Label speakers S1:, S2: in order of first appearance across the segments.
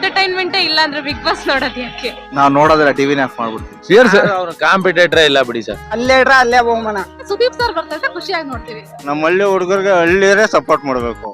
S1: ಎಂಟರ್ಟೈನ್ಮೆಂಟೇ ಇಲ್ಲ ಅಂದ್ರೆ big boss ನೋಡೋದು ಯಾಕೆ?
S2: ನಾವ್ ನೋಡೋದಿಲ್ಲ, ಟಿವಿನೇ ಆಫ್ ಮಾಡ್ಬಿಡ್ತೀವಿ.
S3: ಸೀರಿಯಸ್ ಅವ್ರ ಕಾಂಪಿಟೇಟರ್ ಇಲ್ಲ ಬಿಡಿ ಸರ್.
S4: ಅಲ್ಲೇ ಇಡ್ರ ಅಲ್ಲೇ ಬಹುಮಾನ.
S1: ಸುದೀಪ್ ಸರ್ ಬರ್ತಾ ಖುಷಿಯಾಗಿ ನೋಡ್ತೀವಿ.
S2: ನಮ್ಮ ಹಳ್ಳಿ ಹುಡುಗರಿಗೆ ಹಳ್ಳಿಯರೇ ಸಪೋರ್ಟ್ ಮಾಡ್ಬೇಕು.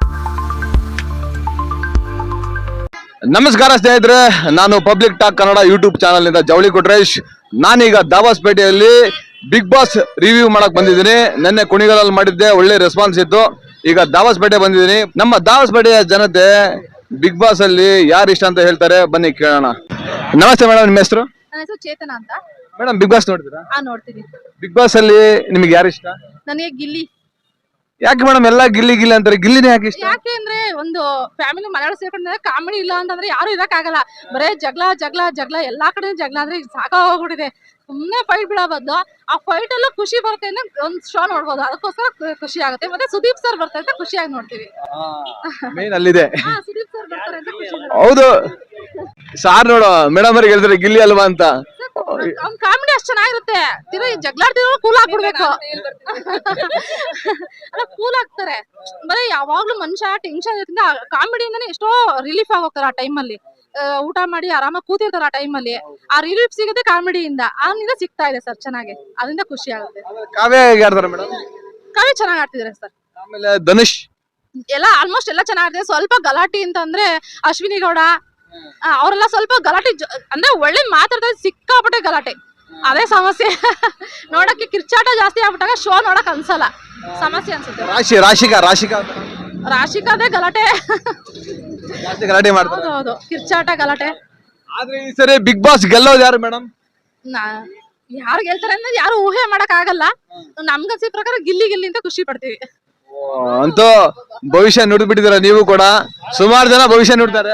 S3: ನಮಸ್ಕಾರ ಸ್ನೇಹಿತರೆ, ನಾನು public talk Kannada YouTube channel ನಿಂದ ಜವಳಿ ಕೊಟ್ರೇಶ್. ನಾನೀಗ ದಾಬಾಸ್ಪೇಟೆಯಲ್ಲಿ ಬಿಗ್ ಬಾಸ್ ರಿವ್ಯೂ ಮಾಡಕ್ ಬಂದಿದ್ದೀನಿ. ನೆನ್ನೆ ಕುಣಿಗಲಲ್ಲಿ ಮಾಡಿದ್ದೆ, ಒಳ್ಳೆ ರೆಸ್ಪಾನ್ಸ್ ಇತ್ತು. ಈಗ ದಾಬಾಸ್ಪೇಟೆ ಬಂದಿದ್ದೀನಿ. ನಮ್ಮ ದಾಬಾಸ್ಪೇಟೆಯ ಜನತೆ ಬಿಗ್ ಬಾಸ್ ಅಲ್ಲಿ ಯಾರು ಇಷ್ಟ ಅಂತ ಹೇಳ್ತಾರೆ, ಬನ್ನಿ ಕೇಳೋಣ. ನಮಸ್ತೆ ಮೇಡಮ್, ನಿಮ್ಮ ಹೆಸರು?
S1: ನನ್ನ ಹೆಸರು ಚೇತನ ಅಂತ.
S3: ಮೇಡಮ್, ಬಿಗ್ ಬಾಸ್ ನೋಡ್ತೀರಾ?
S1: ನೋಡ್ತೀನಿ.
S3: ಬಿಗ್ ಬಾಸ್ ಅಲ್ಲಿ ನಿಮ್ಗೆ ಯಾರು ಇಷ್ಟ?
S1: ನನಗೆ ಗಿಲ್ಲಿ.
S3: ಯಾಕೆ ಮೇಡಮ್ ಎಲ್ಲ ಗಿಲ್ಲಿ ಗಿಲ್ಲಿ ಅಂತಾರೆ, ಗಿಲ್ಲಿನೇ ಯಾಕೆ ಇಷ್ಟ?
S1: ಯಾಕೆ ಅಂದ್ರೆ ಒಂದು ಫ್ಯಾಮಿಲಿ ಮನೆಯೊಳಗೆ ಸೇರ್ಕೊಂಡ್ರೆ ಕಾಮಿಡಿ ಇಲ್ಲ ಅಂತಂದ್ರೆ ಯಾರು ಇರಕ್ಕಾಗಲ್ಲ. ಬರೇ ಜಗಳ ಜಗಳ ಜಗಳ, ಎಲ್ಲಾ ಕಡೆ ಜಗಳ ಅಂದ್ರೆ ಸಾಕಾಗೋಗ್ಬಿಟ್ಟಿದೆ. ಸುಮ್ನೆ ಫೈಟ್ ಬಿಡೋ ಬದಲು ಆ ಫೈಟ್ ಅಲ್ಲೂ ಖುಷಿ ಬರುತ್ತೆ ಅಂದ್ರೆ ಒಂದ್ ಶೋ ನೋಡ್ಬೋದು. ಅದಕ್ಕೋಸ್ಕರ ಖುಷಿ ಆಗುತ್ತೆ. ಮತ್ತೆ ಸುದೀಪ್ ಸರ್ ಬರ್ತಾರೆ ಅಂತ ಖುಷಿಯಾಗಿ ನೋಡ್ತೀವಿ.
S3: ಮೇನ್ ಅಲ್ಲಿದೆ.
S1: ಸುದೀಪ್ ಸರ್ ಬರ್ತಾರೆ ಅಂತ ಖುಷಿ.
S3: ಹೌದು ಸಾರ್ ನೋಡು, ಮೇಡಮ್ ಅವ್ರಿಗೆ ಹೇಳ್ತಾರೆ ಗಿಲ್ಲಿ ಅಲ್ವಾ ಅಂತ.
S1: ಅವ್ನ್ ಕಾಮಿಡಿ ಅಷ್ಟ್ ಚೆನ್ನಾಗಿರುತ್ತೆ. ತಿರು ಜಗಳಾಡ್ತಿರೋ ಕೂಲ್ ಆಗ್ಬಿಡ್ಬೇಕು. ಅಲ್ಲ, ಕೂಲ್ ಆಗ್ತಾರೆ. ಬರೀ ಯಾವಾಗ್ಲೂ ಮನುಷ್ಯ ಟೆನ್ಷನ್ ಇರೋದ್ರಿಂದ ಕಾಮಿಡಿಯಿಂದಾನೆ ಎಷ್ಟೋ ರಿಲೀಫ್ ಆಗೋಗ್ತಾರೆ. ಆ ಟೈಮಲ್ಲಿ ಊಟ ಮಾಡಿ ಆರಾಮಾಗಿ ಕೂತಿರ್ತಾರೆ. ಆ ಟೈಮಲ್ಲಿ ಆ ರಿಲೀಫ್ ಸಿಗುತ್ತೆ ಕಾಮಿಡಿಯಿಂದ. ಅವನಿಂದ ಸಿಗ್ತಾ ಇದೆ ಸರ್ ಚೆನ್ನಾಗಿ, ಅದರಿಂದ ಖುಷಿ ಆಗುತ್ತೆ.
S3: ಕಾವ್ಯ ಹೇಗೆ ಆಡ್ತಾರೆ ಮೇಡಮ್?
S1: ಕಾವ್ಯ ಚೆನ್ನಾಗಿ ಆಡ್ತಿದ್ದಾರೆ ಸರ್.
S3: ಆಮೇಲೆ ಧನುಷ್
S1: ಎಲ್ಲ ಆಲ್ಮೋಸ್ಟ್ ಎಲ್ಲ ಚೆನ್ನಾಗಿದೆ. ಸ್ವಲ್ಪ ಗಲಾಟೆ ಅಂತಂದ್ರೆ ಅಶ್ವಿನಿ ಗೌಡ ಅವರೆಲ್ಲ ಸ್ವಲ್ಪ ಗಲಾಟೆ ಅಂದ್ರೆ ಒಳ್ಳೆ ಮಾತಾಡ್ತಾರೆ, ಸಿಕ್ಕಾಪಟ್ಟೆ ಗಲಾಟೆ. ಅದೇ ಸಮಸ್ಯೆ. ನೋಡಕ್ಕೆ ಕಿರ್ಚಾಟ ಜಾಸ್ತಿ ಆಗ್ಬಿಟ್ಟಾಗ ಶೋ ನೋಡಕ್ ಅನ್ಸಲ್ಲ, ಸಮಸ್ಯೆ ಅನ್ಸುತ್ತೆ. ರಾಶಿಕಾದೇ ಗಲಾಟೆ.
S3: ಗಲಾಟೆ ಮಾಡ್ತಾರೆ.
S1: ಹೌದು, ಕಿರ್ಚಾಟ ಗಲಾಟೆ.
S3: ಆದ್ರೆ ಈ ಸರಿ ಬಿಗ್ ಬಾಸ್ ಗೆಲ್ಲೋದು ಯಾರು ಮೇಡಮ್?
S1: ಯಾರು ಗೆಲ್ತಾರೆ ಅಂದ್ರೆ ಯಾರು ಊಹೆ ಮಾಡಕ್ ಆಗಲ್ಲ. ನಮ್ಗನ್ಸಿದ ಪ್ರಕಾರ ಗಿಲ್ಲಿ ಗಿಲ್ಲಿ ಅಂತ ಖುಷಿ ಪಡ್ತೀವಿ.
S3: ಅಂತೂ ಭವಿಷ್ಯ ನುಡಿದು ಬಿಟ್ಟಿದಾರೆ ನೀವು ಕೂಡ. ಸುಮಾರು ಜನ ಭವಿಷ್ಯ ನುಡ್ತಾರೆ.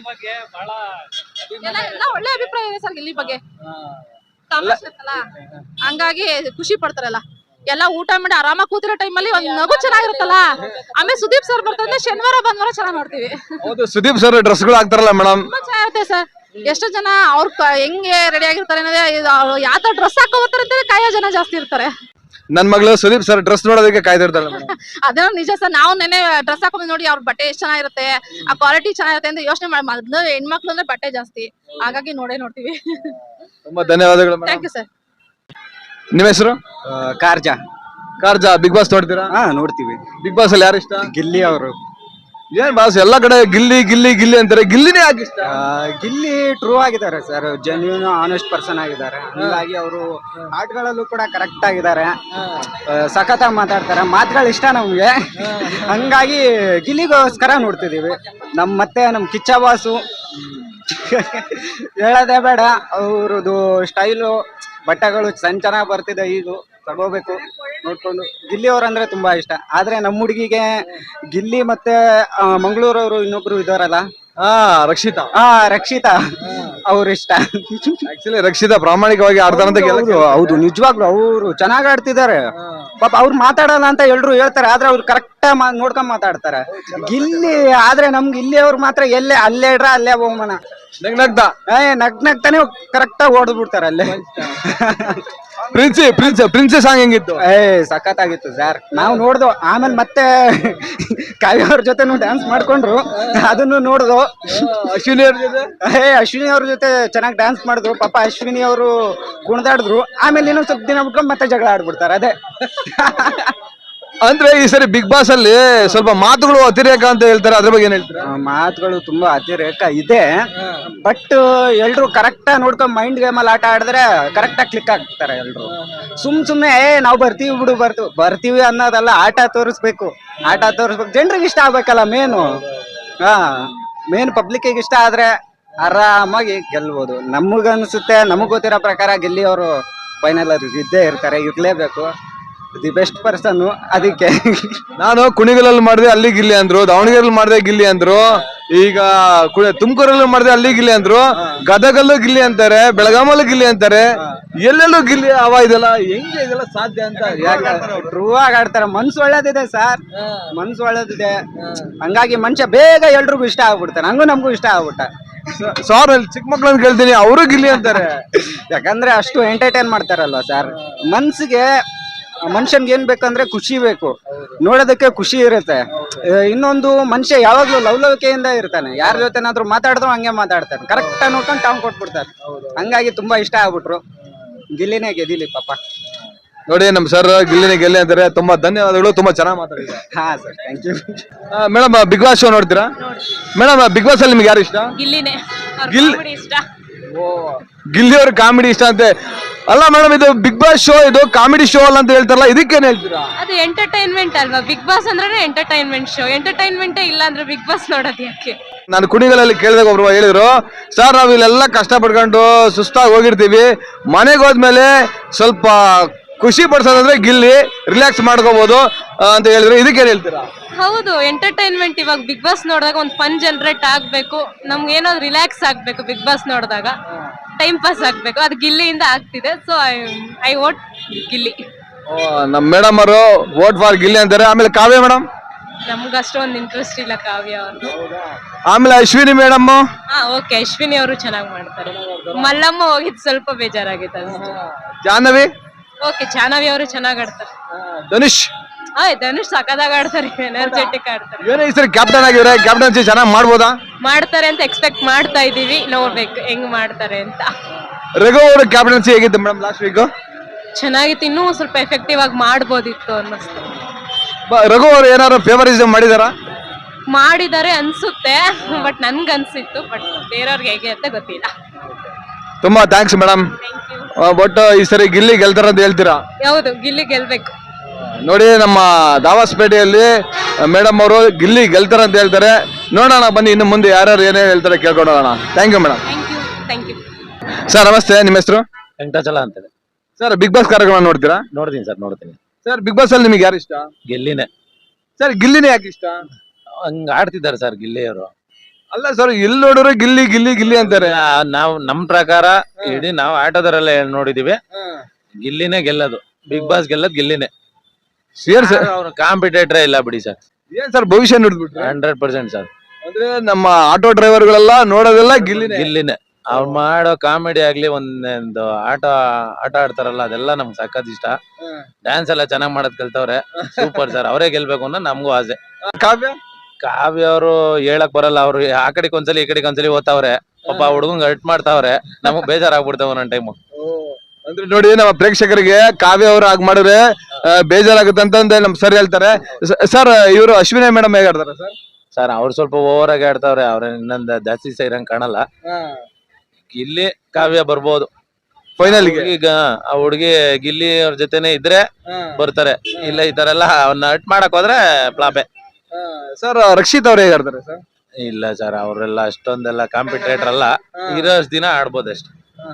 S1: ಎಲ್ಲ ಒಳ್ಳೆ ಅಭಿಪ್ರಾಯ ಇದೆ ಸರ್ ಗಿಲ್ಲಿ ಬಗ್ಗೆ. ಹಂಗಾಗಿ ಖುಷಿ ಪಡ್ತಾರಲ್ಲ. ಎಲ್ಲ ಊಟ ಮಾಡಿ ಆರಾಮಾಗಿ ಕೂತಿರೋ ಟೈಮಲ್ಲಿ ಒಂದ್ ನಗು ಚೆನ್ನಾಗಿರುತ್ತಲ್ಲ. ಆಮೇಲೆ ಸುದೀಪ್ ಸರ್ ಬರ್ತಾರೆ, ಶನಿವಾರ ಭಾನುವಾರ ಚೆನ್ನಾಗಿ ನೋಡ್ತೀವಿ.
S3: ಹೌದು, ಸುದೀಪ್ ಸರ್ ಡ್ರೆಸ್ ಗಳು ಹಾಕ್ತಾರಲ್ಲ ಮೇಡಮ್,
S1: ತುಂಬಾ ಚೆನ್ನಾಗಿರುತ್ತೆ ಸರ್. ಎಷ್ಟೋ ಜನ ಅವ್ರ ಹೆಂಗೆ ರೆಡಿ ಆಗಿರ್ತಾರೆ ಅನ್ನೋದೇ, ಯಾವ ತರ ಡ್ರೆಸ್ ಹಾಕೋ ಬರ್ತಾರೆ ಅಂತ ಕಾಯೋ ಜನ ಜಾಸ್ತಿ ಇರ್ತಾರೆ.
S3: ನನ್ ಮಗಳು ಸುದೀಪ್ ಸರ್ ಡ್ರೆಸ್ ನೋಡೋದಕ್ಕೆ ಕಾಯ್ದಿರ್ತಾಳೆ.
S1: ಅದೇ ನಿಜ ಸರ್. ನಾವು ನೆನೆ ಡ್ರೆಸ್ ಹಾಕೊಂಡ್ ನೋಡಿ ಅವ್ರ ಬಟ್ಟೆ ಎಷ್ಟ್ ಚೆನ್ನಾಗಿರುತ್ತೆ, ಆ ಕ್ವಾಲಿಟಿ ಚೆನ್ನಾಗಿರುತ್ತೆ ಅಂತ ಯೋಚನೆ ಮಾಡಿ. ಮೊದ್ಲು ಹೆಣ್ಮಕ್ಳು ಅಂದ್ರೆ ಬಟ್ಟೆ ಜಾಸ್ತಿ, ಹಾಗಾಗಿ ನೋಡ್ತೀವಿ.
S3: ತುಂಬಾ ಧನ್ಯವಾದಗಳು.
S1: Thank you sir.
S3: ನಿಮ್ಮ ಹೆಸರು? ಕಾರ್ಜಾ. ಬಿಗ್ ಬಾಸ್ ನೋಡ್ತೀರಾ?
S4: ನೋಡ್ತೀವಿ.
S3: ಬಿಗ್ ಬಾಸ್ ಅಲ್ಲಿ ಯಾರು ಇಷ್ಟ?
S4: ಗಿಲ್ಲಿ ಅವರು.
S3: ಏನ್ ಬಾಸ್ ಎಲ್ಲಾ ಕಡೆ ಗಿಲ್ಲಿ ಗಿಲ್ಲಿ ಗಿಲ್ಲಿ ಅಂತಾರೆ, ಗಿಲ್ಲಿನೇ ಯಾಕೆ ಇಷ್ಟ?
S4: ಗಿಲ್ಲಿ ಟ್ರೂ ಆಗಿದ್ದಾರೆ ಸರ್, ಜೆನ್ಯೂನ್ ಆನೆಸ್ಟ್ ಪರ್ಸನ್ ಆಗಿದ್ದಾರೆ. ಹಂಗಾಗಿ ಅವರು ಆಟಗಳಲ್ಲೂ ಕೂಡ ಕರೆಕ್ಟ್ ಆಗಿದ್ದಾರೆ, ಸಖತ್ತಾಗಿ ಮಾತಾಡ್ತಾರೆ, ಮಾತುಗಳು ಇಷ್ಟ ನಮ್ಗೆ. ಹಂಗಾಗಿ ಗಿಲ್ಲಿಗೋಸ್ಕರ ನೋಡ್ತಿದೀವಿ. ಮತ್ತೆ ನಮ್ ಕಿಚ್ಚ ಬಾಸು ಹೇಳೋದೇ ಬೇಡ. ಅವ್ರದ್ದು ಸ್ಟೈಲು, ಬಟ್ಟೆಗಳು ಚೆನ್ನಾಗಿ ಬರ್ತಿದೆ. ಈಗ ತಗೋಬೇಕು ನೋಡ್ಕೊಂಡು. ಗಿಲ್ಲಿ ಅವ್ರಂದ್ರೆ ತುಂಬಾ ಇಷ್ಟ. ಆದ್ರೆ ನಮ್ಮ ಹುಡುಗಿಗೆ ಗಿಲ್ಲಿ ಮತ್ತೆ ಮಂಗಳೂರವರು ಇನ್ನೊಬ್ರು ಇದಾರಲ್ಲ, ರಕ್ಷಿತಾ ಅವ್ರು ಇಷ್ಟ.
S3: ಆಕ್ಚುಲಿ ರಕ್ಷಿತಾ ಪ್ರಾಮಾಣಿಕವಾಗಿ ಆಡ್ತಾರಂತ.
S4: ಹೌದು, ನಿಜವಾಗ್ಲು ಅವರು ಚೆನ್ನಾಗ್ ಆಡ್ತಿದ್ದಾರೆ. ಪಾಪ ಅವ್ರು ಮಾತಾಡಲ್ಲ ಅಂತ ಎಲ್ರು ಹೇಳ್ತಾರೆ, ಆದ್ರೆ ಅವ್ರು ಕರೆಕ್ಟ್ ನೋಡ್ಕೊಂಡ್ ಮಾತಾಡ್ತಾರೆ. ಗಿಲ್ಲಿ ಆದ್ರೆ ನಮ್ಗೆ ಇಲ್ಲಿ ಅವ್ರು ಮಾತ್ರ ಅಲ್ಲೇ ಇಡ್ರ ಅಲ್ಲೇ ಬಹುಮಾನ. ನಗ್ನಗ್ತಾನೆ ಕರೆಕ್ಟ್ ಆಗಿ ಓಡ್ಬಿಡ್ತಾರೆ ಅಲ್ಲೇ.
S3: ಪ್ರಿನ್ಸಿ ಸಾಂಗ್ ಹೆಂಗಿತ್ತು?
S4: ಸಖತ್ತಾಗಿತ್ತು ಸರ್. ನಾವು ನೋಡ್ದು. ಆಮೇಲೆ ಮತ್ತೆ ಕಾವ್ಯ ಅವ್ರ ಜೊತೆ ಡ್ಯಾನ್ಸ್ ಮಾಡ್ಕೊಂಡ್ರು, ಅದನ್ನು ನೋಡ್ದು. ಅಶ್ವಿನಿ ಅವ್ರ ಜೊತೆ ಚೆನ್ನಾಗಿ ಡ್ಯಾನ್ಸ್ ಮಾಡಿದ್ರು. ಪಾಪ ಅಶ್ವಿನಿ ಅವರು ಕುಣಿದಾಡಿದ್ರು. ಆಮೇಲೆ ಇನ್ನೊಂದ್ ಸ್ವಲ್ಪ ದಿನ ಬಿಟ್ಕೊಂಡು ಮತ್ತೆ ಜಗಳ ಆಡ್ಬಿಡ್ತಾರೆ. ಅದೇ
S3: ಅಂದ್ರೆ ಈ ಸರಿ ಬಿಗ್ ಬಾಸ್ ಅಲ್ಲಿ ಸ್ವಲ್ಪ ಮಾತುಗಳು ಅತಿರೇಕ ಅಂತ ಹೇಳ್ತಾರೆ, ಅದ್ರ ಬಗ್ಗೆ ಏನ್ ಹೇಳ್ತಾರೆ?
S4: ಮಾತುಗಳು ತುಂಬಾ ಅತಿರೇಕ ಇದೆ. ಬಟ್ ಎಲ್ರು ಕರೆಕ್ಟ್ ನೋಡ್ಕೊಂಡ್ ಮೈಂಡ್ ಗೇಮ್ ಅಲ್ಲಿ ಆಟ ಆಡಿದ್ರೆ ಕರೆಕ್ಟ್ ಆಗಿ ಕ್ಲಿಕ್ ಆಗ್ತಾರೆ ಎಲ್ರು. ಸುಮ್ನೆ ನಾವು ಬರ್ತೀವಿ ಅನ್ನೋದಲ್ಲ. ಆಟ ತೋರಿಸ್ಬೇಕು. ಜನರಿಗೆ ಇಷ್ಟ ಆಗ್ಬೇಕಲ್ಲ ಮೇನು. ಮೇನ್ ಪಬ್ಲಿಕ್ ಇಷ್ಟ ಆದ್ರೆ ಆರಾಮಾಗಿ ಗೆಲ್ಬಹುದು. ನಮಗನ್ಸುತ್ತೆ, ನಮಗ್ ಗೊತ್ತಿರೋ ಪ್ರಕಾರ ಗಿಲ್ಲಿ ಅವರು ಫೈನಲ್ ಇದ್ದೇ ಇರ್ತಾರೆ, ಇರ್ಲೇಬೇಕು. The best person. ಅದಕ್ಕೆ
S3: ನಾನು ಕುಣಿಗಲಲ್ಲಿ ಮಾಡಿದೆ, ಅಲ್ಲಿ ಗಿಲ್ಲಿ ಅಂದ್ರು. ದಾವಣಗೆರೆಯಲ್ಲಿ ಮಾಡಿದೆ, ಗಿಲ್ಲಿ ಅಂದ್ರು. ಈಗ ತುಮಕೂರಲ್ಲೂ ಮಾಡಿದೆ, ಅಲ್ಲಿ ಗಿಲ್ಲಿ ಅಂದ್ರು. ಗದಗಲ್ಲೂ ಗಿಲ್ಲಿ ಅಂತಾರೆ, ಬೆಳಗಾಮಲ್ಲೂ ಗಿಲ್ಲಿ ಅಂತಾರೆ, ಎಲ್ಲೆಲ್ಲೂ ಗಿಲ್ಲಿ ಇದೆಲ್ಲ ಹೆಂಗೆ ಇದೆಲ್ಲ ಸಾಧ್ಯ ಅಂತ?
S4: ಟ್ರೂ ಆಗಿ ಆಡ್ತಾರೆ. ಮನ್ಸು ಒಳ್ಳೇದಿದೆ ಸರ್, ಮನ್ಸು ಒಳ್ಳೇದಿದೆ. ಹಂಗಾಗಿ ಮನುಷ್ಯ ಬೇಗ ಎಲ್ರಿಗೂ ಇಷ್ಟ ಆಗ್ಬಿಡ್ತಾನೆ. ನಮಗೂ ಇಷ್ಟ ಆಗ್ಬಿಟ್ಟ.
S3: ಸಾರ್ ಅಲ್ಲಿ ಚಿಕ್ಕ ಮಕ್ಳನ್ನ ಕೇಳ್ತೀನಿ, ಅವರು ಗಿಲ್ಲಿ ಅಂತಾರೆ.
S4: ಯಾಕಂದ್ರೆ ಅಷ್ಟು ಎಂಟರ್ಟೈನ್ ಮಾಡ್ತಾರಲ್ವಾ ಸರ್. ಮನ್ಸಿಗೆ ಮನುಷ್ಯನ್ಗೆ ಏನ್ ಬೇಕಂದ್ರೆ ಖುಷಿ ಬೇಕು, ನೋಡೋದಕ್ಕೆ ಖುಷಿ ಇರುತ್ತೆ. ಇನ್ನೊಂದು ಮನುಷ್ಯ ಯಾವಾಗ್ಲೂ ಲವಲವಿಕೆಯಿಂದ ಇರ್ತಾನೆ, ಯಾರ ಜೊತೆನಾದ್ರೂ ಮಾತಾಡಿದ್ರು ಹಂಗೆ ಮಾತಾಡ್ತಾನೆ, ಕರೆಕ್ಟ್ ಆಗಿ ನೋಡ್ಕೊಂಡು ಟಾಂಗ್ ಕೊಟ್ಬಿಡ್ತಾರೆ. ಹಂಗಾಗಿ ತುಂಬಾ ಇಷ್ಟ ಆಗ್ಬಿಟ್ರು. ಗಿಲ್ಲಿನೇ ಗೆದಿಲಿ ಪಾಪ.
S3: ನೋಡಿ ನಮ್ ಸರ್ ಗಿಲ್ಲಿನೇ ಗೆಲ್ಲಿ ಅಂತಾರೆ. ತುಂಬಾ ಧನ್ಯವಾದಗಳು, ತುಂಬಾ ಚೆನ್ನಾಗಿ ಮಾತಾಡಿದ್ದಾರೆ.
S4: ಹಾ sir, thank you.
S3: Madam Big Boss show ನೋಡ್ತೀರಾ? ಮೇಡಮ್ ಬಿಗ್ ಬಾಸ್ ಅಲ್ಲಿ ನಿಮ್ಗೆ ಯಾರು ಇಷ್ಟ?
S1: ಗಿಲ್ಲಿನೇ ಇಷ್ಟ.
S3: ಗಿಲ್ಲಿ ಅವ್ರ ಕಾಮಿಡಿ ಇಷ್ಟ ಅಂತೆ. ಅಲ್ಲ ಮೇಡಮ್, ಇದು ಬಿಗ್ ಬಾಸ್ ಶೋ, ಇದು ಕಾಮಿಡಿ ಶೋ ಅಲ್ಲ ಅಂತ ಹೇಳ್ತಾರಲ್ಲ, ಇದಕ್ಕೇನ್ ಹೇಳ್ತೀರಾ?
S1: ಅದು ಎಂಟರ್ಟೈನ್ಮೆಂಟ್ ಅಲ್ವಾ? ಬಿಗ್ ಬಾಸ್ ಅಂದ್ರೆ ಎಂಟರ್ಟೈನ್ಮೆಂಟ್ ಶೋ. ಎಂಟರ್ಟೈನ್ಮೆಂಟೇ ಇಲ್ಲ ಅಂದ್ರೆ ಬಿಗ್ ಬಾಸ್ ನೋಡೋದು ಯಾಕೆ?
S3: ನಾನು ಕುಣಿಗಲಲ್ಲಿ ಕೇಳಿದಾಗ ಒಬ್ರು ಹೇಳಿದ್ರು, ಸರ್ ನಾವ್ ಇಲ್ಲೆಲ್ಲ ಕಷ್ಟ ಪಡ್ಕೊಂಡು ಸುಸ್ತಾಗಿ ಹೋಗಿರ್ತೀವಿ, ಮನೆಗೆ ಹೋದ್ಮೇಲೆ ಸ್ವಲ್ಪ ಖುಷಿ ಪಡ್ಸೋದಂದ್ರೆ ಗಿಲ್ಲಿ, ರಿಲ್ಯಾಕ್ಸ್ ಮಾಡ್ಕೋಬಹುದು ಅಂತ ಹೇಳಿದ್ರು. ಇದಕ್ಕೇನ್ ಹೇಳ್ತೀರಾ?
S1: ಹೌದು, ಎಂಟರ್ಟೈನ್ಮೆಂಟ್. ಇವಾಗ ಬಿಗ್ ಬಾಸ್ ನೋಡಿದಾಗ ಒಂದು ಫನ್ ಜನರೇಟ್ ಆಗ್ಬೇಕು, ನಮ್ಗೆ ಏನೋ ರಿಲ್ಯಾಕ್ಸ್ ಆಗ್ಬೇಕು. ಬಿಗ್ ಬಾಸ್ ನೋಡಿದಾಗ ಟೈಮ್ ಪಾಸ್ ಆಗ್ಬೇಕು, ಅದು ಗಿಲ್ಲಿಯಿಂದ ಆಗ್ತಿದೆ. So I vote Gilli.
S3: ನಮ್ ಮೇಡಮ್ ಅವರು ವೋಟ್ ಫಾರ್ ಗಿಲ್ಲಿ ಅಂತಾರೆ. ಆಮೇಲೆ ಕಾವ್ಯ ಮೇಡಮ್?
S1: ನಮ್ಗೆ ಅಷ್ಟೊಂದು ಇಂಟ್ರೆಸ್ಟ್ ಇಲ್ಲ ಕಾವ್ಯ ಅವ್ರದ್ದು.
S3: ಆಮೇಲೆ ಅಶ್ವಿನಿ ಮೇಡಮ್?
S1: ಓಕೆ, ಅಶ್ವಿನಿ ಅವರು ಚೆನ್ನಾಗಿ ಮಾಡ್ತಾರೆ. ಮಲ್ಲಮ್ಮ ಹೋಗಿದ್ ಸ್ವಲ್ಪ ಬೇಜಾರಾಗಿತ್ತು ಅಷ್ಟೇ.
S3: ಜಾಹ್ನವಿ?
S1: ಓಕೆ, ಜಾಹ್ನವಿ ಅವರು ಚೆನ್ನಾಗಿ ಆಡ್ತಾರೆ.
S3: ಧನುಷ್?
S1: ಧನುಷ್ ಸಖತ್ತಾಗಿ ಆಡ್ತಾರೆ, ಎನರ್ಜೆಟಿಕ್ ಆಡ್ತಾರೆ.
S3: ಏನೋ ಈ ಸರಿ ಕ್ಯಾಪ್ಟನ್ ಆಗಿದ್ರೆ ಕ್ಯಾಪ್ಟನ್ಸಿ ಚೆನ್ನಾಗಿ ಮಾಡ್ಬೋದಾ?
S1: ಮಾಡ್ತಾರೆ ಅಂತ ಎಕ್ಸ್ಪೆಕ್ಟ್ ಮಾಡ್ತಾ ಇದೀವಿ, ನೋಡ್ಬೇಕು ಹೆಂಗ್ ಮಾಡ್ತಾರೆ ಅಂತ.
S3: ರಘು ಅವ್ರ ಕ್ಯಾಪ್ಟನ್ಸಿ ಹೇಗಿತ್ತು ಮೇಡಮ್ ಲಾಸ್ಟ್ ವೀಕ್?
S1: ಚೆನ್ನಾಗಿತ್ತು, ಇನ್ನೂ ಸ್ವಲ್ಪ ಎಫೆಕ್ಟಿವ್ ಆಗಿ ಮಾಡ್ಬೋದಿತ್ತು ಅನ್ನಿಸ್ತು.
S3: ರಘು ಅವ್ರು ಏನಾದ್ರು ಫೇವರಿಸಮ್
S1: ಮಾಡಿದ್ದಾರೆ ಅನ್ಸುತ್ತೆ, ಬಟ್ ನನ್ಗೆ ಅನ್ಸಿತ್ತು. ಬಟ್ ಬೇರೆಯವ್ರಿಗೆ ಹೇಗೆ ಅಂತ ಗೊತ್ತಿಲ್ಲ.
S3: ತುಂಬಾ ಥ್ಯಾಂಕ್ಸ್ ಮೇಡಮ್. ಬಟ್ ಈ ಸರಿ ಗಿಲ್ಲಿ ಗೆಲ್ತಾರ ಅಂತ ಹೇಳ್ತೀರಾ?
S1: ಹೌದು, ಗಿಲ್ಲಿ ಗೆಲ್ಬೇಕು.
S3: ನೋಡಿ ನಮ್ಮ ದಾವಾಸ್ಪೇಟೆಯಲ್ಲಿ ಮೇಡಮ್ ಅವರು ಗಿಲ್ಲಿ ಗೆಲ್ತಾರ ಅಂತ ಹೇಳ್ತಾರೆ. ನೋಡೋಣ ಬನ್ನಿ, ಇನ್ನು ಮುಂದೆ ಯಾರ್ಯಾರು ಏನೇನು ಹೇಳ್ತಾರೆ ಕೇಳ್ಕೊಂಡೋಣ. Thank you madam.
S1: Thank you.
S3: Sir ನಮಸ್ತೆ, ನಿಮ್ಮ ಹೆಸರು?
S5: ವೆಂಕಟಾಚಲ ಅಂತೇಳಿ.
S3: ಸರ್ ಬಿಗ್ ಬಾಸ್ ಕಾರ್ಯಕ್ರಮ ನೋಡ್ತೀರಾ?
S5: ನೋಡ್ತೀನಿ ಸರ್, ನೋಡ್ತೀನಿ.
S3: ಸರ್ ಬಿಗ್ ಬಾಸ್ ಅಲ್ಲಿ ನಿಮಗೆ ಯಾರು ಇಷ್ಟ?
S5: ಗಿಲ್ಲಿನೇ.
S3: ಸರ್ ಗಿಲ್ಲಿನೇ ಯಾಕೆ ಇಷ್ಟ?
S5: ಹಂಗ ಆಡ್ತಿದ್ದಾರೆ ಸರ್ ಗಿಲ್ಲಿ ಅವರು.
S3: ಅಲ್ಲ ಸರ್, ಎಲ್ಲಿ ನೋಡಿದ್ರು ಗಿಲ್ಲಿ ಗಿಲ್ಲಿ ಗಿಲ್ಲಿ ಅಂತಾರೆ.
S5: ನಾವು ನಮ್ ಪ್ರಕಾರ ಇಡೀ ನಾವು ಆಟೋದರೆಲ್ಲ ನೋಡಿದೀವಿ, ಗಿಲ್ಲಿನೇ ಗೆಲ್ಲದು. Big boss ಗೆಲ್ಲದ್ ಗಿಲ್ಲಿನೇ. ಅವ್ರು ಕಾಂಪಿಟೇಟರ್ ಇಲ್ಲ ಬಿಡಿ ಸರ್.
S3: ಏನ್ ಸರ್ ಭವಿಷ್ಯ ನೋಡ್ಬಿಟ್ರೆ?
S5: 100% ಸರ್.
S3: ಅಂದ್ರೆ ನಮ್ಮ ಆಟೋ ಡ್ರೈವರ್ ಗಳೆಲ್ಲ ನೋಡೋದೆಲ್ಲ
S5: ಗಿಲ್ಲಿನೇ. ಅವ್ರು ಮಾಡೋ ಕಾಮಿಡಿ ಆಗ್ಲಿ, ಒಂದೊಂದು ಆಟ ಆಡ್ತಾರಲ್ಲ, ಅದೆಲ್ಲ ನಮ್ಗೆ ಸಖತ್ ಇಷ್ಟ. ಡ್ಯಾನ್ಸ್ ಎಲ್ಲ ಚೆನ್ನಾಗ್ ಮಾಡೋದ್ ಕಲ್ತವ್ರೆ, ಸೂಪರ್ ಸರ್. ಅವರೇ ಗೆಲ್ಬೇಕು ಅನ್ನೋ ನಮಗೂ ಆಸೆ. ಕಾವ್ಯ ಅವರು ಹೇಳಕ್ ಬರಲ್ಲ, ಅವ್ರು ಆ ಕಡೆಗೆ ಒಂದ್ಸಲಿ ಈ ಕಡೆಗೆ ಒಂದ್ಸಲಿ ಓದ್ತಾವ್ರೆ. ಪಾಪ ಹುಡುಗಂಗ್ ಹರ್ಟ್ ಮಾಡ್ತಾವ್ರೆ, ನಮಗ್ ಬೇಜಾರಾಗ್ಬಿಡ್ತಾವ ಒಂದೊಂದ್ ಟೈಮು.
S3: ಅಂದ್ರೆ ನೋಡಿ, ನಮ್ಮ ಪ್ರೇಕ್ಷಕರಿಗೆ ಕಾವ್ಯ ಅವರು ಆಗ್ ಮಾಡಿದ್ರೆ ಬೇಜಾರಾಗುತ್ತೆ ಅಂತ ನಮ್ ಸರ್ ಹೇಳ್ತಾರೆ. ಸರ್ ಇವರು ಅಶ್ವಿನಿ ಮೇಡಮ್ ಹೇಗೆ ಆಡ್ತಾರೆ ಸರ್?
S5: ಸರ್ ಅವ್ರು ಸ್ವಲ್ಪ ಓವರ್ ಆಗಿ ಆಡ್ತಾವ್ರೆ, ಅವ್ರ ಇನ್ನೊಂದ್ ಜಾಸ್ತಿ ಸೇರಂಗ್ ಕಾಣಲ್ಲ. ಗಿಲ್ಲಿ ಕಾವ್ಯ ಬರ್ಬೋದು
S3: ಫೈನಲ್.
S5: ಈಗ ಆ ಹುಡುಗಿ ಗಿಲ್ಲಿ ಅವ್ರ ಜೊತೆನೆ ಇದ್ರೆ ಬರ್ತಾರೆ, ಇಲ್ಲ ಈ ತರ ಎಲ್ಲ ಅವ್ನ ಹರ್ಟ್ ಮಾಡಕ್ ಹೋದ್ರೆ ಫ್ಲಾಪೆ.
S3: ಸರ್ ರಕ್ಷಿತ್ ಅವ್ರು ಹೇಗೆ ಆಡ್ತಾರೆ ಸರ್?
S5: ಇಲ್ಲ ಸರ್, ಅವರೆಲ್ಲ ಅಷ್ಟೊಂದೆಲ್ಲ ಕಾಂಪಿಟೇಟರ್ ಅಲ್ಲ, ಇರೋಷ್ಟು ದಿನ ಆಡ್ಬೋದು ಅಷ್ಟೇ.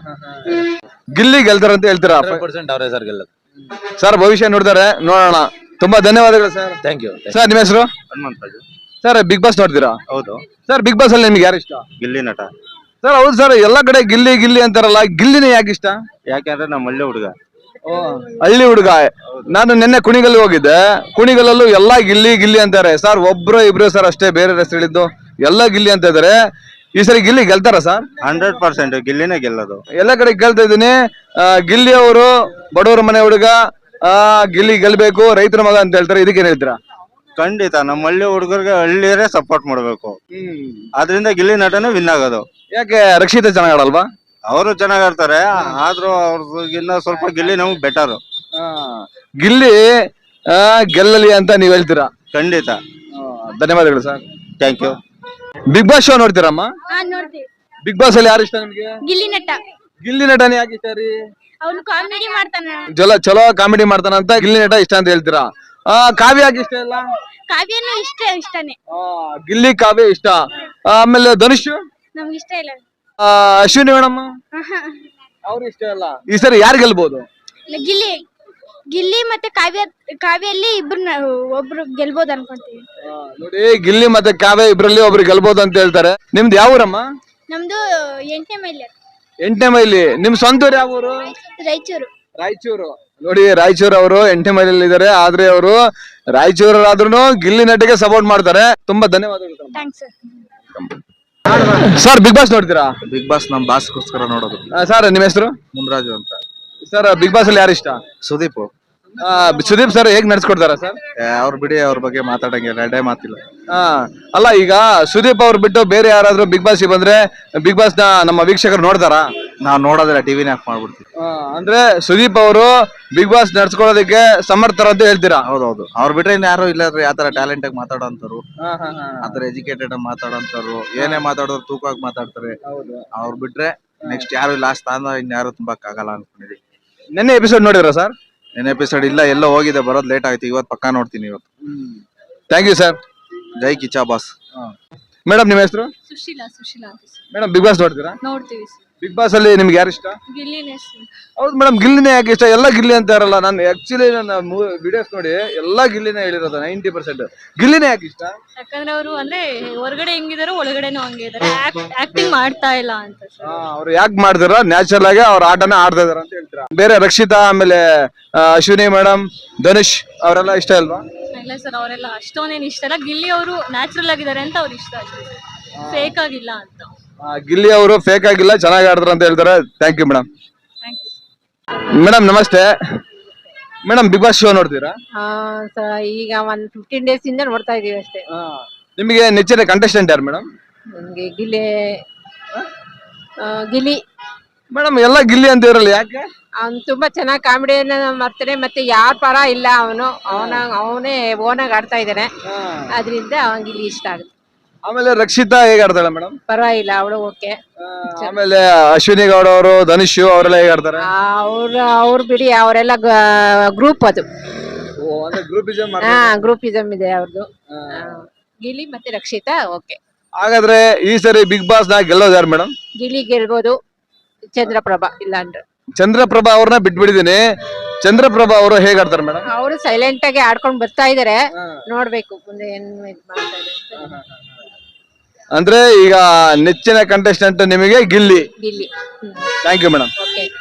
S3: ಗಿಲ್ಲಿ ಗೆಲ್ತಾರ ಅಂತ ಹೇಳ್ತೀರಾ?
S5: 100% ಅವರೇ ಸರ್ ಗೆಲ್ಲದು.
S3: ಸರ್ ಭವಿಷ್ಯ ನೋಡ್ತಾರೆ, ನೋಡೋಣ. ತುಂಬಾ ಧನ್ಯವಾದಗಳು ಸರ್.
S5: Thank you.
S3: ಸರ್ ನಿಮ್ಮ ಹೆಸರು?
S2: ಹನುಮಂತರಾಜು.
S3: ಸರ್ ಬಿಗ್ ಬಾಸ್ ನೋಡ್ತೀರಾ?
S2: ಹೌದು.
S3: ಸರ್ ಬಿಗ್ ಬಾಸ್ ಅಲ್ಲಿ ನಿಮ್ಗೆ ಯಾರು ಇಷ್ಟ?
S2: ಗಿಲ್ಲಿ ನಟ.
S3: ಸರ್ ಹೌದು ಸರ್, ಎಲ್ಲಾ ಕಡೆ ಗಿಲ್ಲಿ ಗಿಲ್ಲಿ ಅಂತಾರಲ್ಲ, ಗಿಲ್ಲಿನೇ ಯಾಕೆ ಇಷ್ಟ?
S2: ಯಾಕೆಂದ್ರೆ ನಮ್ಮ ಹಳ್ಳಿ ಹುಡುಗ.
S3: ಹಳ್ಳಿ ಹುಡುಗ. ನಾನು ನಿನ್ನೆ ಕುಣಿಗಲ್ ಹೋಗಿದ್ದೆ, ಕುಣಿಗಲ್ಲೂ ಎಲ್ಲಾ ಗಿಲ್ಲಿ ಗಿಲ್ಲಿ ಅಂತಾರೆ ಸರ್. ಒಬ್ರು ಇಬ್ರು ಸರ್ ಅಷ್ಟೇ ಬೇರೆ ಹೆಸರು ಹೇಳಿದ್ದು, ಎಲ್ಲಾ ಗಿಲ್ಲಿ ಅಂತ ಇದಾರೆ. ಈ ಸರಿ ಗಿಲ್ಲಿ ಗೆಲ್ತಾರ ಸರ್?
S2: 100% ಗಿಲ್ಲಿನೇ ಗೆಲ್ಲೋದು.
S3: ಎಲ್ಲ ಕಡೆ ಕೇಳ್ತಾ ಇದ್ದೀನಿ. ಗಿಲ್ಲಿ ಅವರು ಬಡವರ ಮನೆ ಹುಡುಗ, ಗಿಲ್ಲಿ ಗೆಲ್ಬೇಕು, ರೈತರ ಮಗ ಅಂತ ಹೇಳ್ತಾರೆ. ಇದಕ್ಕೇನ್ ಹೇಳ್ತೀರಾ?
S2: ಖಂಡಿತ ನಮ್ಮ ಹಳ್ಳಿ ಹುಡುಗರಿಗೆ ಹಳ್ಳಿಯರೇ ಸಪೋರ್ಟ್ ಮಾಡ್ಬೇಕು. ಆದ್ರಿಂದ ಗಿಲ್ಲಿ ನಟನೇ ವಿನ್ ಆಗೋದು.
S3: ಯಾಕೆ ರಕ್ಷಿತ ಚೆನ್ನಾಗ್ ಆಡಲ್ವಾ?
S2: ಅವರು ಚೆನ್ನಾಗ್ ಆಡ್ತಾರೆ, ಆದ್ರೂ ಅವ್ರಿಗಿನ್ನ ಸ್ವಲ್ಪ ಗಿಲ್ಲಿ ನಮ್ಗೆ ಬೆಟರ್.
S3: ಗಿಲ್ಲಿ ಗೆಲ್ಲಲಿ ಅಂತ ನೀವ್ ಹೇಳ್ತೀರಾ?
S2: ಖಂಡಿತ.
S3: ಧನ್ಯವಾದಗಳು sir.
S2: Thank you.
S3: Big Boss show ನೋಡ್ತೀರಮ್ಮ?
S6: ನೋಡ್ತೀವಿ.
S3: ಬಿಗ್ ಬಾಸ್ ಅಲ್ಲಿ ಯಾರು ಇಷ್ಟ ನಿಮ್ಗೆ?
S6: ಗಿಲ್ಲಿ ನಟ.
S3: ಗಿಲ್ಲಿ ನಟನೇ ಯಾಕೆ ಇಷ್ಟ ರೀ?
S6: ಅವನು ಕಾಮಿಡಿ ಮಾಡ್ತಾನ.
S3: ಚಲೋ ಕಾಮಿಡಿ ಮಾಡ್ತಾನಂತ ಗಿಲ್ಲಿ ನಟ ಇಷ್ಟ ಅಂತ ಹೇಳ್ತೀರಾ? ಕಾವ್ಯ ಯಾಕೆ ಇಷ್ಟ ಇಲ್ಲ?
S6: ಕಾವ್ಯನು ಇಷ್ಟನೇ.
S3: ಗಿಲ್ಲಿ ಕಾವ್ಯ ಇಷ್ಟ. ಆಮೇಲೆ ಧನುಷ್
S6: ನಮ್ಗೆ ಇಷ್ಟ ಇಲ್ಲ.
S3: ಅಶ್ವಿನಿ ಮೇಡಮ್ ಅವ್ರು ಇಷ್ಟ ಇಲ್ಲ. ಈ ಸರಿ ಯಾರು ಗೆಲ್ಬಹುದು?
S6: ಗಿಲ್ಲಿ ಮತ್ತೆ ಕಾವ್ಯಲ್ಲಿ ಒಬ್ರು ಗೆಲ್ಬೋದು ಅನ್ಕೊಂತೀವಿ.
S3: ನೋಡಿ, ಗಿಲ್ಲಿ ಮತ್ತೆ ಕಾವ್ಯ ಇಬ್ರಲ್ಲಿ ಒಬ್ರು ಗೆಲ್ಬಹುದು ಅಂತ ಹೇಳ್ತಾರೆ. ನಿಮ್ದು ಯಾವ ಊರಮ್ಮ?
S6: ನಮ್ದು 8ನೇ ಮೈಲಿ.
S3: 8ನೇ ಮೈಲಿ. ನಿಮ್ ಸ್ವಂತ ಊರು ಯಾವ ಊರು? ರಾಯಚೂರು. ನೋಡಿ, ರಾಯಚೂರು ಅವರು 8ನೇ ಮೈಲಿ ಇದಾರೆ, ಆದ್ರೆ ಅವರು ರಾಯಚೂರಾದ್ರೂ ಗಿಲ್ಲಿ ನಟಿಗೆ ಸಪೋರ್ಟ್ ಮಾಡ್ತಾರೆ. ತುಂಬಾ ಧನ್ಯವಾದಗಳು.
S6: Thanks
S3: sir. ಬಿಗ್ ಬಾಸ್ ನೋಡ್ತೀರಾ?
S2: ಬಿಗ್ ಬಾಸ್ ನಮ್ ಬಾಸ್ಗೋಸ್ಕರ ನೋಡೋದು.
S3: ಸರ್ ನಿಮ್ಮ ಹೆಸರು?
S2: ಮುನ್ರಾಜು ಅಂತ.
S3: ಸರ್ ಬಿಗ್ ಬಾಸ್ ಅಲ್ಲಿ ಯಾರು ಇಷ್ಟ?
S2: ಸುದೀಪ್.
S3: ಸುದೀಪ್ ಸರ್ ಹೇಗ್ ನಡ್ಸ್ಕೊಡ್ತಾರ ಸರ್?
S2: ಅವ್ರು ಬಿಡಿ, ಅವ್ರ ಬಗ್ಗೆ ಮಾತಾಡಂಗಿಲ್ಲ, ಎರಡೇ ಮಾತಿಲ್ಲ.
S3: ಅಲ್ಲ ಈಗ ಸುದೀಪ್ ಅವ್ರು ಬಿಟ್ಟು ಬೇರೆ ಯಾರಾದ್ರೂ ಬಿಗ್ ಬಾಸ್ ಬಂದ್ರೆ ಬಿಗ್ ಬಾಸ್ ನ ನಮ್ಮ ವೀಕ್ಷಕರು ನೋಡ್ತಾರಾ?
S2: ನಾವ್ ನೋಡೋದಿಲ್ಲ, ಟಿವಿನ ಆಫ್ ಮಾಡ್ಬಿಡ್ತೀವಿ.
S3: ಅಂದ್ರೆ ಸುದೀಪ್ ಅವರು ಬಿಗ್ ಬಾಸ್ ನಡ್ಸ್ಕೊಳ್ಳೋದಕ್ಕೆ ಸಮರ್ಥರ ಅಂತ ಹೇಳ್ತೀರಾ?
S2: ಹೌದೌದು, ಅವ್ರು ಬಿಟ್ರೆ ಇನ್ ಯಾರು ಇಲ್ಲ. ಯಾತರ ಟ್ಯಾಲೆಂಟ್ ಆಗಿ ಮಾತಾಡೋಂತಾರು, ಆತರ ಎಜುಕೇಟೆಡ್ ಆಗಿ ಮಾತಾಡೋಂತಾರು, ಏನೇ ಮಾತಾಡೋರು ತೂಕವಾಗಿ ಮಾತಾಡ್ತಾರೆ. ಅವ್ರು ಬಿಟ್ರೆ ನೆಕ್ಸ್ಟ್ ಯಾರು ಇಲ್ಲ. ಆ ಸ್ಥಾನ ಇನ್ಯಾರು ತುಂಬಕ್ ಆಗಲ್ಲ ಅನ್ಕೊಂಡಿದೀವಿ.
S3: ನಿನ್ನೆ ಎಪಿಸೋಡ್ ನೋಡಿದ್ರ ಸರ್?
S2: ಏನ್ ಎಪಿಸೋಡ್ ಇಲ್ಲ, ಎಲ್ಲೋ ಹೋಗಿದೆ, ಬರೋದ್ ಲೇಟ್ ಆಯ್ತು. ಇವತ್ತು ಪಕ್ಕಾ ನೋಡ್ತೀನಿ. ಇವತ್ತು
S3: ಥ್ಯಾಂಕ್ ಯು ಸರ್.
S2: ಜೈ ಕಿಚ್ಚಾ ಬಾಸ್.
S3: ಮೇಡಮ್ ನಿಮ್ಮ ಹೆಸರು?
S1: ಸುಶೀಲಾ ಅಂತ
S3: ಮೇಡಮ್ ಬಿಗ್ ಬಾಸ್ ನೋಡ್ತೀರಾ?
S1: ನೋಡ್ತೀವಿ.
S3: ಬಿಗ್ ಬಾಸ್ ಅಲ್ಲಿ ನಿಮ್ಗೆ ಯಾರು ಇಷ್ಟ?
S1: ಗಿಲ್ಲಿನೇ.
S3: ಹೌದು ಮೇಡಮ್, ಗಿಲ್ಲಿನೇ ಯಾಕೆ ಇಷ್ಟ? ಎಲ್ಲ ಗಿಲ್ಲಿ ಅಂತ ಇರಲ್ಲ. ನಾನು ಆಕ್ಚುಲಿ ನನ್ನ ವಿಡಿಯೋಸ್ ನೋಡಿ ಎಲ್ಲಾ ಗಿಲ್ಲಿನೇ ಹೇಳಿರೋದು 90%. ಗಿಲ್ಲಿನೇ ಯಾಕೆ ಇಷ್ಟ?
S1: ಯಾಕಂದ್ರೆ ಅವರು ಅಂದ್ರೆ ಹೊರಗಡೆ ಹೆಂಗಿದಾರೋ ಒಳಗಡೆನೂ ಹಂಗೆ ಇದಾರೆ, ಆಕ್ಟಿಂಗ್ ಮಾಡ್ತಾ ಇಲ್ಲ ಅಂತ.
S3: ಅವ್ರು ಯಾಕೆ ಮಾಡ್ತಾರ? ನ್ಯಾಚುರಲ್ ಆಗಿ ಅವ್ರ ಆಟನ ಆಡ್ತಾ ಇದಾರ ಅಂತ ಹೇಳ್ತೀರಾ? ಬೇರೆ ರಕ್ಷಿತಾ, ಆಮೇಲೆ ಅಶ್ವಿನಿ ಮೇಡಮ್, ಧನುಷ್ ಅವರೆಲ್ಲ ಇಷ್ಟ ಅಲ್ವಾ?
S1: ಇಲ್ಲ ಸರ್, ಅವರೆಲ್ಲ ಅಷ್ಟೊಂದೇನು ಇಷ್ಟ ಇಲ್ಲ. ಗಿಲ್ಲಿ ಅವರು ನ್ಯಾಚುರಲ್ ಆಗಿದ್ದಾರೆ ಅಂತ ಅವ್ರು ಇಷ್ಟ ಅಷ್ಟೇ, ಫೇಕ್ ಆಗಿಲ್ಲ ಅಂತ.
S3: ಗಿಲ್ಲಿ ಅವರು ಫೇಕ್ ಆಗಿಲ್ಲ, ಚೆನ್ನಾಗಿ ಆಡ್ತಾರ ಅಂತ ಹೇಳ್ತಾರೆ. Thank you madam.
S1: Thank you
S3: madam ನಮಸ್ತೆ. ಮೇಡಮ್ ಬಿಗ್ ಬಾಸ್ ಶೋ ನೋಡ್ತೀರಾ?
S7: ಈಗ ಒಂದ್ 15 ಡೇಸ್ ಇಂದ ನೋಡ್ತಾ ಇದೀವಿ ಅಷ್ಟೇ.
S3: ನಿಮಗೆ ನೆಚ್ಚಿನ ಕಂಟೆಸ್ಟೆಂಟ್ ಯಾರು ಮೇಡಮ್?
S7: ನಮ್ಗೆ ಗಿಲಿ
S3: ಮೇಡಮ್ ಎಲ್ಲ ಗಿಲ್ಲಿ ಅಂತ ಇರಲ್ಲ, ಯಾಕೆ?
S7: ಅವ್ನು ತುಂಬಾ ಚೆನ್ನಾಗಿ ಕಾಮಿಡಿಯನ್ನ ಮಾಡ್ತಾನೆ, ಮತ್ತೆ ಯಾರ ಪರ ಇಲ್ಲ, ಅವನೇ ಓನಾಗಿ ಆಡ್ತಾ ಇದ್ದಾನೆ, ಅದರಿಂದ ಅವನ್ ಗಿಲ್ಲಿ ಇಷ್ಟ ಆಗುತ್ತೆ.
S3: ಆಮೇಲೆ ರಕ್ಷಿತಾ ಹೇಗೆ ಆಡ್ತಾಳೆ ಮೇಡಮ್?
S7: ಪರವಾಗಿಲ್ಲ, ಅವಳು ಓಕೆ.
S3: ಆಮೇಲೆ ಅಶ್ವಿನಿ ಗೌಡ ಅವರು, ಧನುಷ್ ಅವರೆಲ್ಲ ಹೇಗೆ ಆಡ್ತಾರೆ?
S7: ಅವ್ರು ಬಿಡಿ, ಅವರೆಲ್ಲ ಗ್ರೂಪ್ ಅದು.
S3: ಗ್ರೂಪಿಸಮ್.
S7: ಗ್ರೂಪಿಸಮ್ ಇದೆ ಅವ್ರದ್ದು. ಗಿಲಿ ಮತ್ತೆ ರಕ್ಷಿತಾ ಓಕೆ.
S3: ಹಾಗಾದ್ರೆ ಈ ಸರಿ ಬಿಗ್ ಬಾಸ್ ನ ಗೆಲ್ಲೋದು ಯಾರು ಮೇಡಮ್?
S7: ಗಿಲಿ ಗೆಲ್ಬೋದು, ಚಂದ್ರಪ್ರಭಾ ಇಲ್ಲ ಅಂದ್ರೆ.
S3: ಚಂದ್ರಪ್ರಭಾ ಅವ್ರನ್ನ ಬಿಟ್ಬಿಟ್ಟಿದೀನಿ. ಚಂದ್ರಪ್ರಭಾ ಅವರು ಹೇಗೆ ಆಡ್ತಾರೆ ಮೇಡಮ್?
S7: ಅವರು ಸೈಲೆಂಟ್ ಆಗಿ ಆಡ್ಕೊಂಡ್ ಬರ್ತಾ ಇದಾರೆ, ನೋಡ್ಬೇಕು ಮುಂದೆ ಏನ್ ಇದ್ ಮಾಡ್ತಾ ಇದಾರೆ.
S3: ಅಂದ್ರೆ ಈಗ ನೆಚ್ಚಿನ ಕಂಟೆಸ್ಟೆಂಟ್ ನಿಮಗೆ Gilli.
S7: Gilli.
S3: Thank you madam.
S7: Okay.